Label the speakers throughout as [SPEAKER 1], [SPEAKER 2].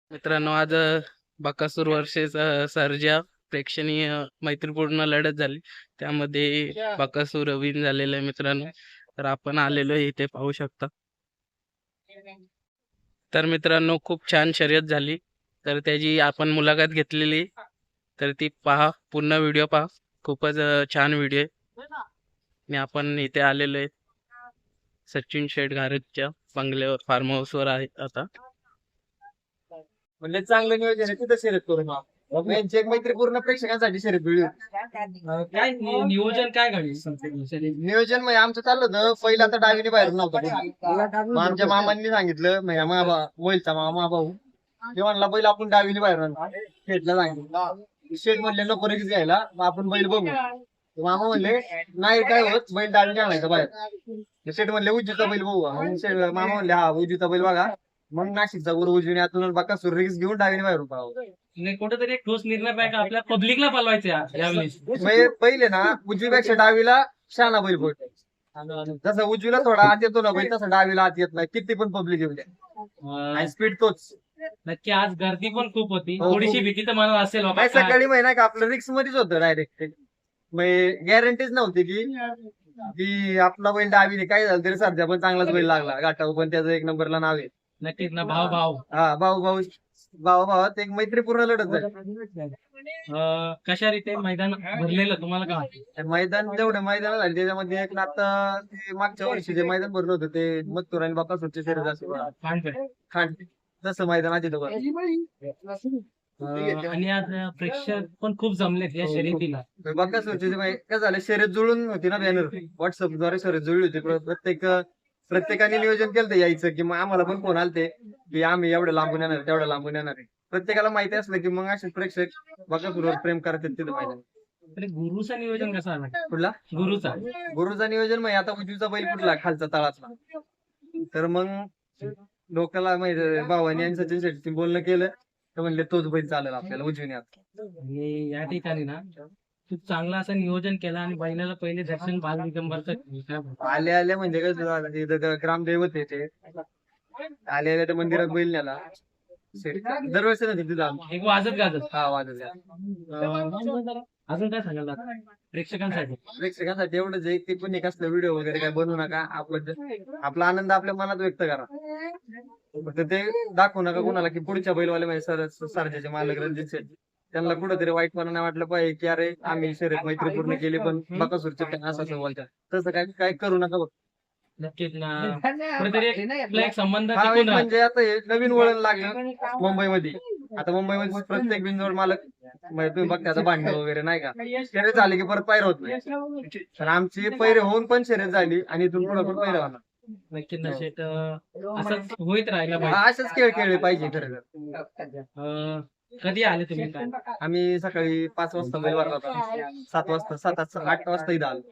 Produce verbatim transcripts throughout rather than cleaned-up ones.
[SPEAKER 1] मित्रांनो, आज अ, बकासूर वर्सेस अ, सर्जा प्रेक्षणीय मैत्रीपूर्ण लढत झाली. त्यामध्ये बकासूर विन झालेला आहे मित्रांनो. तर आपण आलेलो आहे इथे पाहू शकता. तर मित्रांनो, खूप छान शर्यत झाली. तर त्याची आपण मुलाखत घेतलेली. तर ती पहा, पूर्ण व्हिडिओ पहा. खूपच अ, छान व्हिडिओ आहे. आणि आपण इथे आलेलो आहे सचिन शेठ घारतच्या बंगल्यावर, फार्म हाऊसवर आहे आता.
[SPEAKER 2] म्हणजे चांगलं नियोजन आहे तिथं शर्यत करू मग. यांची एक मैत्रीपूर्ण प्रेक्षकांसाठी शर्यत वेळी
[SPEAKER 3] काय नि- नियोजन काय घडली
[SPEAKER 2] नियोजन म्हणजे आमचं चाललं होतं पहिलं आता डावीने बाहेर नव्हतं कोणी. मग आमच्या मामांनी सांगितलं म्हणजे मामा वैलचा मामा भाऊ ते म्हणला बैल आपण डावीने बाहेर आणू. शेठला सांगितलं शेठ म्हणले नको रिक्स घ्यायला मग आपण बैल बघू. तर मामा म्हणले नाही काय होत बैल डावीने आणायचा बाहेर. शेठ म्हणले उजवीचा बैल बघू. मग शेठ मामा म्हणले हा उजवीचा बैल बघा. मग नाशिकचा गुरु उजवीने आतून बकासूर रिक्स घेऊन डावीने बाहेर पळावं.
[SPEAKER 3] नाही कुठेतरी एक ठोस निर्णय पाहिजे का आपल्या पब्लिकला पालवायचं या- यावेळेस
[SPEAKER 2] म्हणजे पहिले ना उजवीपेक्षा डावीला शहाणा बैल पडतो. जसं उजवीला थोडा आत येतो ना बैल तसं डावीला आत येत नाही किती पण पब्लिक येऊ द्या.
[SPEAKER 3] अं,
[SPEAKER 2] आणि स्पीड तोच.
[SPEAKER 3] नक्की आज गर्दी पण खूप होती
[SPEAKER 2] हो,
[SPEAKER 3] थोडीशी
[SPEAKER 2] खूप.
[SPEAKER 3] भीती तर मनात असेल बाबा
[SPEAKER 2] नाही
[SPEAKER 3] काय.
[SPEAKER 2] सकाळी महिना का आपलं रिक्स मध्येच होतं डायरेक्ट. म्हणजे गॅरंटीच नव्हती की की आपला बैल डावीने काय झालं तरी सध्या पण चांगलाच बैल लागला घाटावर पण त्याचं एक नंबरला नाव आहे.
[SPEAKER 3] नक्कीच ना भाव भाव
[SPEAKER 2] हा भाऊ भाऊ भाऊ भावात एक मैत्रीपूर्ण लढत झाली.
[SPEAKER 3] अं, कशा रीते मैदान भरलेलं तुम्हाला काय वाटतं?
[SPEAKER 2] मैदान जेवढे मैदान झाले त्याच्यामध्ये एक आता ते मागच्या वर्षी जे मैदान भरलं होतं ते मथुर आणि बकासूरचे शर्यत असेल
[SPEAKER 3] काय
[SPEAKER 2] खांड तसं मैदान आधी तर
[SPEAKER 3] अं, आणि आज प्रेक्षक पण खूप जमलेत या शर्यतीला.
[SPEAKER 2] बकासूरचे जे मै- काय झालं शर्यत जुळून होती ना बॅनर व्हॉट्सअप द्वारे शर्यत जुळली होती. प्र- प्रत्येक प्रत्येकाने नियोजन केलं होतं यायचं की मग आम्हाला पण फोन आलते की आम्ही एवढं लांबून येणार तेवढं लांबून येणार आहे. प्रत्येकाला माहिती असलं की मग असे प्रेक्षक बकासूरवर प्रेम करतात तिथं मैदान.
[SPEAKER 3] तरी गुरुचा नियोजन कसा आला
[SPEAKER 2] कुठला
[SPEAKER 3] गुरुचा
[SPEAKER 2] गुरुचा नियोजन मग आता उजवीचा बैल कुठला खालचा तळातला. तर मग लोकांना माहिती भावानी आणि सचिन शेट्टी बोलणं केलं तर म्हणले तोच बैल चालेल आपल्याला उजवीने आता.
[SPEAKER 3] आणि या ठिकाणी ना खूप चांगलं असं नियोजन केलं आणि बैलाला पहिले दर्शन बाल दिगंबरचं काय बोलतो?
[SPEAKER 2] आले आले म्हणजे कसं झालं ते इथं ग्रामदैवत आहे ते आले आले त्या मंदिरात बैल नेला. शेट- दरवर्षी ना तिथे जाऊन
[SPEAKER 3] एक वाजत गाजत
[SPEAKER 2] हा वाजत
[SPEAKER 3] अं, अजून काय सांगाल दादा? प्रेक्षकांसाठी
[SPEAKER 2] प्रेक्षकांसाठी एवढंच आहे की कोणी कसलं व्हिडिओ वगैरे काय बनवू नका. आपलं आपला आनंद आपल्या मनात व्यक्त करा. फक्त ते दाखवू नका कोणाला की पुढच्या बैलवाले म्हणजे सर सरजाचे मालक रणजित शेट त्यांना कुठेतरी वाईटपणा नाही वाटलं पाहिजे की अरे आम्ही शर्यत मैत्री पूर्ण केली पण बकासूरचे fan असं असं बोलतात. तसं काय काय करू नका.
[SPEAKER 3] नक्कीच ना कुठेतरी एक आपला एक संबंध
[SPEAKER 2] हा
[SPEAKER 3] टिकून
[SPEAKER 2] एक
[SPEAKER 3] राहतो.
[SPEAKER 2] म्हणजे आता हे नवीन वळण लागलं मुंबईमध्ये. आता मुंबईमध्ये प्रत्येक बिंदूवर मालक म्हणजे तुम्ही बघता आता भांडण वगैरे नाही का शर्यत झाली की परत पायऱ्या होत नाही. तर आमची पैरे होऊन पण शर्यत झाली आणि इथून पुढे पण पैरे होणार.
[SPEAKER 3] नक्कीच ना शेट अं, असंच होईत राहिला
[SPEAKER 2] हा,
[SPEAKER 3] पाहिजे.
[SPEAKER 2] असेच खेळ खेळले पाहिजे खरं तर.
[SPEAKER 3] अं, कधी आले तुम्ही काय
[SPEAKER 2] आम्ही सकाळी पाच वाजता बैल भरला होता. सात वाजता सात आठ आठ वाजता इथं आलो.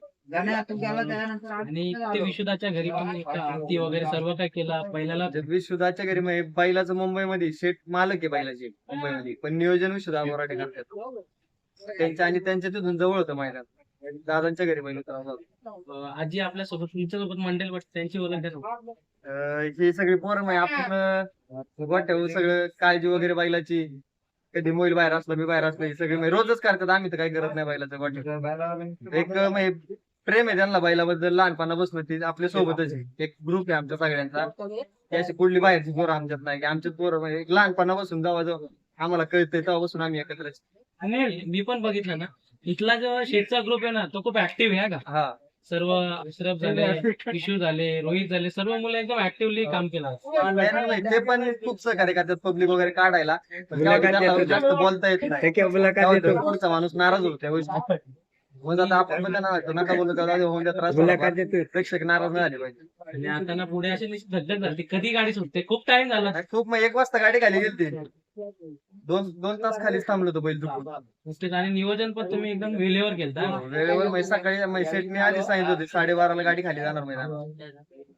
[SPEAKER 3] आणि ते विशुदाच्या घरी पण एक आरती वगैरे सर्व काय केलं पहिल्याला
[SPEAKER 2] विशुदाच्या घरी म्हणजे बैलाचं मुंबईमध्ये शेट मालक आहे बैलाचे मुंबईमध्ये पण नियोजन विशुदा मराठे करतात. त्यांच्या आणि त्यांच्या तिथून जवळ होतं मैदान. दादांच्या घरी बैल होता.
[SPEAKER 3] अं, आजी आपल्या सोबत तुमच्या सोबत मंडळ वाटत त्यांची ओळख द्या ना.
[SPEAKER 2] अं, ही सगळी पोरं म्हणजे आपण गोठ्यावर सगळं काळजी वगैरे बैलाची कधी मोबाईल बाहेर असला मी बाहेर असलं हे सगळे म्हणजे रोजच करतात. आम्ही तर काही करत नाही बैलाचं गोठ्यावर. एक म्हणजे प्रेम आहे त्यांना बैलाबद्दल लहानपणापासून ती आपल्या सोबतच आहे. एक ग्रुप आहे आमच्या सगळ्यांचा. ती अशी कुठली बाहेरची पोरं आमच्यात नाही की आमच्यात पोरं म्हणजे एक लहानपणापासून जेव्हा जेव्हा आम्हाला कळतंय तेव्हापासून आम्ही एकत्र
[SPEAKER 3] आणि मी पण बघितलं ना इथला जो शेटचा ग्रुप आहे ना तो खूप ऍक्टिव्ह आहे का
[SPEAKER 2] हा
[SPEAKER 3] सर्व अशरफ झाले किशोर झाले रोहित झाले सर्व मुलं एकदम ऍक्टिव्हली काम केलं.
[SPEAKER 2] नाही, नाही, ते पण खूप सहकार्य करतात पब्लिक वगैरे काढायला. पण तेव्हा त्यांना जास्त बोलता येत नाही. तेव्हा तो पुढचा माणूस नाराज होतो त्या गोष्टी. मग आता आपण पण त्यांना वाटतं नका बोलू त्याला होऊन द्या त्रास होणार बा. प्रेक्षक नाराज नाही झाले पाहिजे.
[SPEAKER 3] आणि आता ना पुढे अशी निश्चित धगधग झाली कधी गाडी सुटते खूप टाइम झाला.
[SPEAKER 2] नाही, खूप मग एक वाजता गाडी खाली गेली दोन दोन तास खालीच थांबलो होतो बैल चुकून.
[SPEAKER 3] नुसतेच आणि नियोजन पण तुम्ही एकदम वेळेवर केलता.
[SPEAKER 2] वेळेवर म्हणजे सकाळी म्हणजे सेटने आधी सांगितलं होते साडेबाराला गाडी खाली जाणार मैदानात.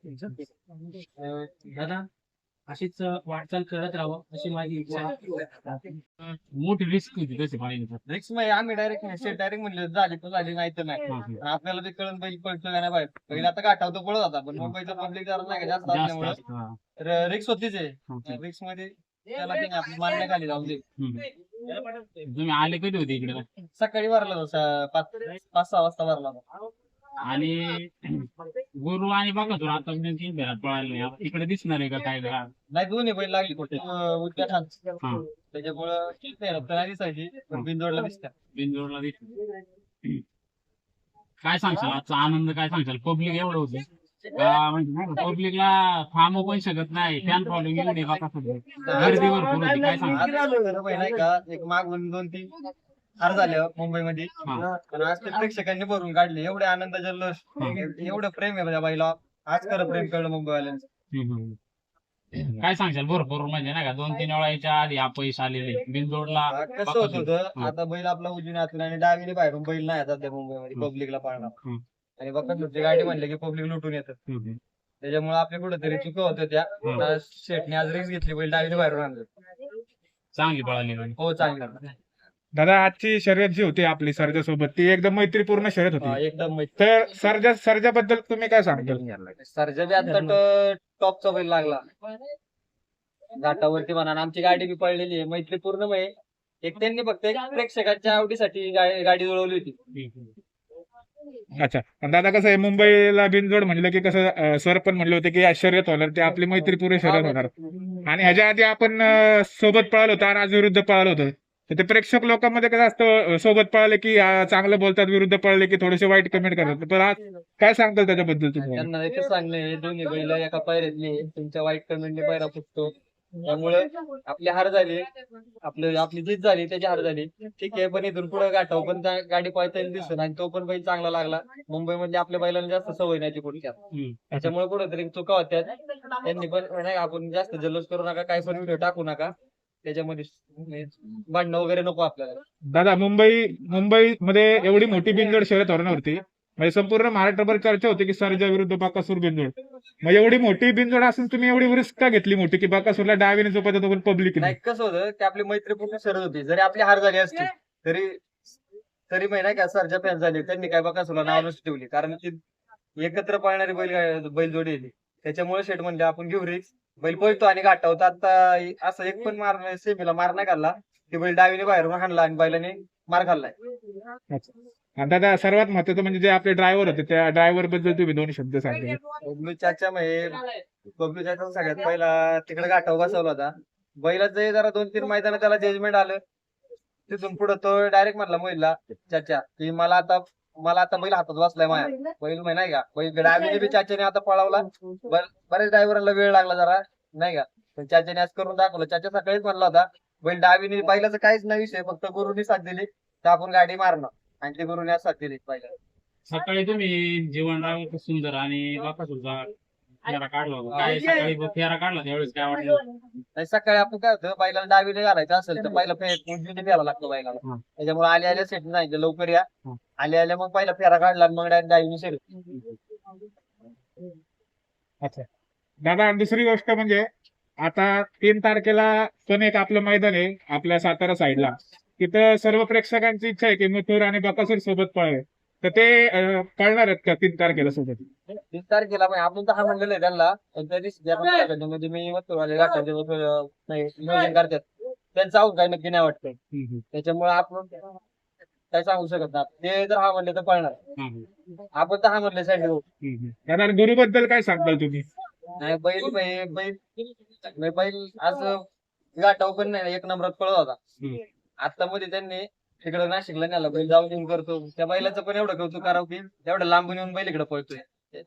[SPEAKER 3] अं, दादा अशीच वाटचाल करत राहावं अशी माझी इच्छा आहे. मोठी रिस्क होती तशी
[SPEAKER 2] नेक्स्ट म्हणजे आम्ही डायरेक्ट सेट डायरेक्ट म्हणले झाली तर झाली नाही तर नाही. आपल्याला ते कळून बैल पळतो का नाही बाहेर पहिला आता गाठावतो पळत होता पण मुंबईचं पब्लिक जरा नाही का जास्त असल्यामुळे तर रिक्स होतीच आहे. रिक्स मध्ये त्याला काही नाही, आपली मान्य खाली जाऊन दे.
[SPEAKER 3] हम्म. तुम्ही आले कधी होते इकडे
[SPEAKER 2] सकाळी भरला होता पाच पाच सहा वाजता भरला होता.
[SPEAKER 3] आणि गुरु आणि बघा आता तीन फेऱ्यात पळायला नाही. आता इकडे दिसणार आहे का काय जरा
[SPEAKER 2] नाही दोन्ही बैल लागली कुठे उद्या
[SPEAKER 3] हा
[SPEAKER 2] त्याच्यामुळं ठीक नाही रक्त नाही दिसायची पण बिनजोडला दिसत्या.
[SPEAKER 3] बिनजोडला दिसत. काय सांगशाल आजचा आनंद काय सांगशाल पब्लिक एवढं होते म्हणजे पब्लिकला थांबू पण शकत नाही फॅन फॉलोइंग एवढी बघा गर्दी भरपूर होती काय सांगशाल
[SPEAKER 2] आज खरं पाहिजे नाही का एक मागून दोन तीन हार झाले मुंबईमध्ये
[SPEAKER 3] हा.
[SPEAKER 2] पण आज ते प्रेक्षकांनी भरून काढले एवढे आनंद जल्लोष एवढं प्रेम आहे माझ्या बाईला आज खरं प्रेम कळलं मुंबईवाल्यांचं.
[SPEAKER 3] हम्म, हम्म. काय सांगशाल भरपूर म्हणजे नाही का दोन तीन वेळा याच्या आधी अपयश आलेले बिनजोडला
[SPEAKER 2] आ, कसं होत होतं आता बैल आपला उजवीने आतून आणि डावीने बाहेरून बैल नाही आता त्या मुंबईमध्ये
[SPEAKER 3] हम्म.
[SPEAKER 2] पब्लिकला पाळणार
[SPEAKER 3] हम्म.
[SPEAKER 2] आणि बघा गाडी म्हणले की पब्लिक लुटून येतं
[SPEAKER 3] हम्म, हम्म.
[SPEAKER 2] त्याच्यामुळे आपल्या कुठेतरी चुका होत्या त्या
[SPEAKER 3] हम्म.
[SPEAKER 2] आता शेटने आज रिक्स घेतली बैल डावीने बाहेरून आणलं.
[SPEAKER 3] चांगली पळाली म्हणजे.
[SPEAKER 2] हो चांगलं
[SPEAKER 4] दादा आजची शर्यत जी होती आपली सर्जा सोबत ती एकदम मैत्रीपूर्ण शर्यत
[SPEAKER 2] हा,
[SPEAKER 4] होती.
[SPEAKER 2] एकदम माहिती
[SPEAKER 4] तर सर्जा सर्जा बद्दल तुम्ही काय सांगताल?
[SPEAKER 2] सरजा बी आता टॉपचा बैल लागला घाटावरती म्हणा आणि आमची गाडी बी पळलेली आहे मैत्रीपूर्ण म्हणजे एक त्यांनी फक्त एक प्रेक्षकांच्या आवडीसाठी गा- गाडी जुळवली होती.
[SPEAKER 3] हम्म, हम्म.
[SPEAKER 4] अच्छा पण दादा कसं आहे मुंबईला बिनजोड म्हणलं की कसं अं, सर पण म्हणले होते की आज शर्यत होणार ते आपली मैत्रीपूर्ण शर्यत होणार आणि ह्याच्या आधी आपण अं, सोबत पळालो होतो आणि आज विरुद्ध पळालो होतो तर ते प्रेक्षक लोकांमध्ये कसं असतं अं, सोबत पळाले की अं, चांगलं बोलतात विरुद्ध पळले की थोडेसे वाईट कमेंट करतात पण आज काय सांगताल त्याच्याबद्दल तुम्ही?
[SPEAKER 2] त्यांना एकच सांगणं आहे दोन्ही बैल एका पायऱ्यातले तुमच्या वाईट कमेंटने पायरा फुटतो त्यामुळे आपली हार झाली आपलं आपली जीत झाली त्याची हार झाली ठीक आहे पण इथून पुढे गाठाव पण त्या गाडी पळताना दिसत आणि तो पण बैल चांगला लागला मुंबईमध्ये आपल्या बैलांना जास्त सवय नाही पुढच्या
[SPEAKER 3] हम्म.
[SPEAKER 2] त्याच्यामुळे कुठेतरी चुका होत्या त्यांनी पण नाही का, आपण जास्त जल्लोष करू नका काही पण व्हिडिओ टाकू नका त्याच्यामध्ये भांडणं वगैरे नको आपल्याला.
[SPEAKER 4] दादा मुंबई मुंबईमध्ये एवढी मोठी बिनजोड शर्यत होणार होती म्हणजे संपूर्ण महाराष्ट्रभर चर्चा होती की सर्जा विरुद्ध बाकासूर बिनजोड मग एवढी मोठी बिनजोड असून तुम्ही एवढी रिस्क का घेतली मोठी की बाकासूरला डावीने झोपायचं तो पण पब्लिक
[SPEAKER 2] नाही कसं होतं की आपली मैत्रीपूर्ण शरद होती जरी आपली हार झाली असती तरी तरी महिना का सरजा फॅन झाली त्यांनी काय बघा सुला नाव नसती ठेवली कारण ती एकत्र पळणारी बैल बैलजोडी होती त्याच्यामुळे शेट म्हणले आपण घेऊ रिक्स बैल पळतो आणि गाठावतो आता असं एक पण मार सेमीला मार नाही खाल्ला की बैल डावीने बाहेरून हाणला आणि बैलाने मार खाल्लाय.
[SPEAKER 4] आणि दादा सर्वात महत्वाचं म्हणजे जे आपले ड्रायव्हर होते त्या ड्रायव्हर बद्दल तुम्ही दोन शब्द सांगा.
[SPEAKER 2] बबलू चाचा म्हणजे बबलू चाचा सगळ्यात पहिला तिकडे गाठाव बसवला होता बैलाचं जरा दोन तीन मैदान त्याला जजमेंट आलं तिथून पुढे तो डायरेक्ट म्हणला मोहिलला चाचा की मला आता मला आता बैल हातात बसलाय माझ्या बैल माहिती नाही का बैल डावीने बी चाच्याने आता पळवला बर- बऱ्याच ड्रायव्हरला वेळ लागला जरा नाही का पण चाच्याने आज करून दाखवलं चाचा सकाळीच म्हणला होता बैल डावीने बैलाचं काहीच नाही विषय फक्त गुरुनी साथ दिली तर आपण गाडी मारणं आणि ते गुरुने आज साथ दिली पहिला.
[SPEAKER 3] सकाळी तुम्ही जीवनराव सुंदर आणि बाकासूरचा फेरा काढला होता काय सकाळी फेरा काढला त्यावेळेस काय वाटलं
[SPEAKER 2] नाही सकाळी आपण काय होतं बैलाला डावीने घालायचं असेल तर पहिला फेर उजवीने घ्यायला लागतो बैलाला
[SPEAKER 3] हं.
[SPEAKER 2] त्याच्यामुळे आले आले सेट सांगितलं लवकर या
[SPEAKER 3] हं.
[SPEAKER 2] आले आले मग पहिला फेरा काढला आणि मग डायरेक्ट डावीने सेट.
[SPEAKER 4] अच्छा दादा दुसरी गोष्ट म्हणजे आता तीन तारखेला पण एक आपलं मैदान आहे आपल्या सातारा साईडला तिथं सर्व प्रेक्षकांची इच्छा आहे की मथुर आणि बकासूर सोबत पळावे तर ते अं, पळणार आहेत का तीन तारखेला सोबत?
[SPEAKER 2] तीस तारखेला पण आपण तर हा म्हणलेलं आहे त्यांना पण त्या दिवशी त्या पण काय करतात, म्हणजे मी मग आले गाठाचे नाही नियोजन करतात त्यांचं आऊट काय नक्की नाही वाटतं त्याच्यामुळे आपण काय सांगू शकत नाही ते जर हा म्हणले तर पळणार आपण तर हा म्हणले साठी
[SPEAKER 4] दादा गुरुबद्दल काय सांगताल तुम्ही?
[SPEAKER 2] नाही बैल बैल बैल नाही, बैल आज गाठाव पण नाही एक नंबरात पळत होता आता मध्ये त्यांनी तिकडे नाशिकला नेला बैल जाऊन येऊन करतो त्या बैलाचं पण एवढं कौतुक करावं की एवढं लांबून येऊन बैल इकडे पळतोय.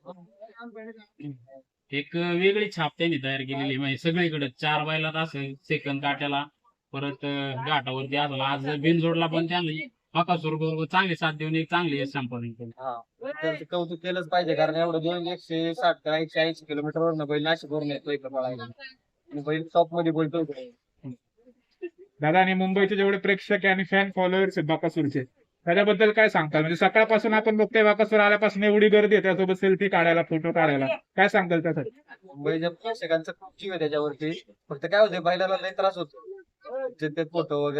[SPEAKER 3] एक वेगळी छाप त्यांनी तयार केलेली म्हणजे सगळीकडे चार बैलात असेल सेकंद काट्याला परत अं, घाटावरती असेल आज बिनजोडला पण त्यांनी बाकासूर बरोबर चांगली साथ देऊन एक चांगली संपादन केली.
[SPEAKER 2] हा त्यांचं कौतुक केलंच पाहिजे कारण एवढं दोन एकशे साठ का एकशे ऐंशी किलोमीटर वरून बैल नाशिक वरून येतो इकडे पळायला आणि बैल टॉप मध्ये बोलतो.
[SPEAKER 4] दादा आणि मुंबईचे जेवढे प्रेक्षक आहे आणि फॅन फॉलोअर्स आहेत बाकासूरचे त्याच्याबद्दल काय सांगताल? म्हणजे सकाळपासून आपण बघतोय बाकासूर आल्यापासून एवढी गर्दी आहे त्यासोबत सेल्फी काढायला फोटो काढायला काय सांगताल त्यासाठी?
[SPEAKER 2] मुंबईच्या प्रेक्षकांचा खूप जीव आहे त्याच्यावरती फक्त काय होतं बैलाला लय त्रास होतो ते फोटो वगैरे